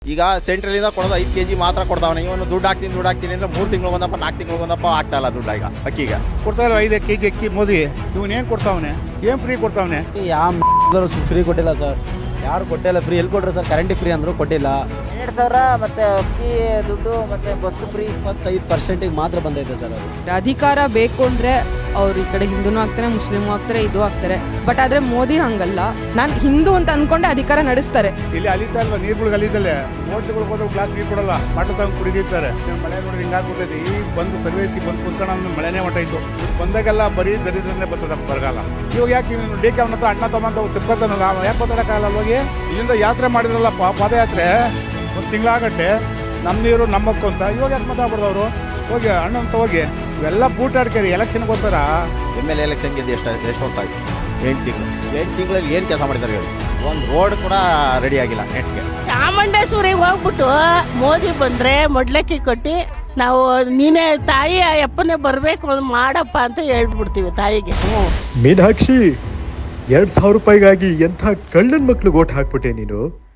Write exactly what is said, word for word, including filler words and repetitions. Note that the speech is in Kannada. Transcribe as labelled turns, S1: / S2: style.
S1: ಈಗ ಸೆಂಟ್ರಲಿಂದ ಕೊಡೋದು ಐದು ಕೆ ಜಿ ಮಾತ್ರ ಕೊಡ್ತಾವನೆ. ಇವನು ದುಡ್ಡು ಹಾಕ್ತೀನಿ ದುಡ್ಡು ಹಾಕ್ತೀನಿ ಅಂದ್ರೆ ಮೂರು ತಿಂಗಳು ಒಂದಪ್ಪ ನಾಲ್ಕು ತಿಂಗಳು ಒಂದಪ್ಪ ಆಗ್ತಾ ಇಲ್ಲ ದುಡ್ಡು. ಈಗ ಅಕ್ಕಿಗೆ
S2: ಕೊಡ್ತಾ ಇಲ್ಲ ಐದು ಕೆ ಜಿ ಅಕ್ಕಿ ಮೋದಿ ಇವನೇನು ಕೊಡ್ತಾವನೆ, ಏನು ಫ್ರೀ ಕೊಡ್ತಾವನೆ?
S3: ಯಾವ ಫ್ರೀ ಕೊಟ್ಟಿಲ್ಲ ಸರ್, ಯಾರು ಕೊಟ್ಟಿಲ್ಲ. ಫ್ರೀ ಎಲ್ಲಿ ಕೊಟ್ರೆ ಸರ್? ಕರೆಂಟ್ ಫ್ರೀ ಅಂದರು ಕೊಟ್ಟಿಲ್ಲ.
S4: ಎರಡು ಸಾವಿರ ಮತ್ತೆ ಅಕ್ಕಿ ದುಡ್ಡು ಮತ್ತೆ ಬಸ್ ಫ್ರೀ
S3: ಇಪ್ಪತ್ತೈದು ಪರ್ಸೆಂಟಿಗೆ ಮಾತ್ರ ಬಂದೈತೆ ಸರ್ ಅದು.
S5: ಅಧಿಕಾರ ಬೇಕು ಅಂದರೆ ಅವ್ರು ಈ ಕಡೆ ಹಿಂದೂನು ಆಗ್ತಾರೆ, ಮುಸ್ಲಿಮು ಆಗ್ತಾರೆ, ಇದು ಆಗ್ತಾರೆ. ಬಟ್ ಆದರೆ ಮೋದಿ ಹಂಗಲ್ಲ. ನಾನು ಹಿಂದೂ ಅಂತ ಅನ್ಕೊಂಡೆ ಅಧಿಕಾರ ನಡೆಸ್ತಾರೆ.
S2: ಇಲ್ಲಿ ಅಲಿತಾ ಇಲ್ವಾ ನೀರುಗಳಿಗೆ ಅಲಿದಲ್ಲೇ ಹೋಟ್ಲುಗಳಿಗೆ ಹೋದ್ರೆ ಗ್ಲಾಸ್ ನೀರು ಕೊಡಲ್ಲ, ಬಾಟಲ್ ತಗೊಂಡು ಕುಡಿದಿರ್ತಾರೆ. ಮಳೆ ನೋಡಿ ಹಿಂಗಾಗ್ಬಿಟ್ಟೈತೆ. ಈಗ ಬಂದು ಸರ್ವೇಸಿ ಬಂದು ಕುತ್ಕೊಂಡು ಅಂದ್ರೆ ಮಳೆನೇ ಹೊಂಟಾಯ್ತು. ಬಂದಾಗೆಲ್ಲ ಬರೀ ದರಿದ್ರನ್ನೇ ಬರ್ತದ ಬರಗಾಲ. ಇವಾಗ ಯಾಕೆ ಇವನು ಡಿ ಕೆ ಅವನ ಹತ್ರ ಅಣ್ಣ ತಮ್ಮ ತಿರ್ಕೋತಾನಲ್ಲ, ಯಾಕೆ ಮಾತಾಡೋಕ್ಕಾಗಲ್ಲ? ಹೋಗಿ ಇಲ್ಲಿಂದ ಯಾತ್ರೆ ಮಾಡಿದ್ರಲ್ಲ ಪಾದಯಾತ್ರೆ ಒಂದು ತಿಂಗಳಾಗಟ್ಟೆ, ನಮ್ಮ ನೀರು ನಮ್ಮಕ್ಕು ಅಂತ. ಇವಾಗ ಯಾಕೆ ಮಾತಾಡ್ಬಿಡ್ದವ್ರು? ಹೋಗಿ ಅಣ್ಣಂತ ಹೋಗಿ ಇವೆಲ್ಲ ಬೂಟಾಡ್ಕೇರಿ ಎಲೆಕ್ಷನ್ಗೋಸ್ಕರ.
S1: ಎಮ್ ಎಲ್ ಎಲೆಕ್ಷನ್ ಗೆದ್ದು ಎಷ್ಟು ಎಷ್ಟು ವರ್ಷ ಆಯ್ತು? ಎಂಟು ತಿಂಗಳು ಎಂಟು ತಿಂಗಳಲ್ಲಿ ಏನು ಕೆಲಸ ಮಾಡಿದ್ದಾರೆ ಹೇಳಿ? ಒಂದು ರೋಡ್ ಕೂಡ ರೆಡಿ ಆಗಿಲ್ಲ ನೆಟ್ಗೆ.
S6: ಚಾಮುಂಡೇಶ್ವರಿಗೆ ಹೋಗ್ಬಿಟ್ಟು ಮೋದಿ ಬಂದರೆ ಮೊಡ್ಲಕ್ಕಿ ಕೊಟ್ಟು ನಾವು ನೀನೇ ತಾಯಿ ಅಪ್ಪನೇ ಬರಬೇಕು ಮಾಡಪ್ಪ ಅಂತ ಹೇಳ್ಬಿಡ್ತೀವಿ ತಾಯಿಗೆ.
S7: ಮೀನಾಕ್ಷಿ, ಎರಡ್ ಸಾವಿರ ರೂಪಾಯಿಗಾಗಿ ಎಂಥ ಕಳ್ಳನ ಮಕ್ಳು ಓಟ್ ಹಾಕ್ಬಿಟ್ಟೆ ನೀನು.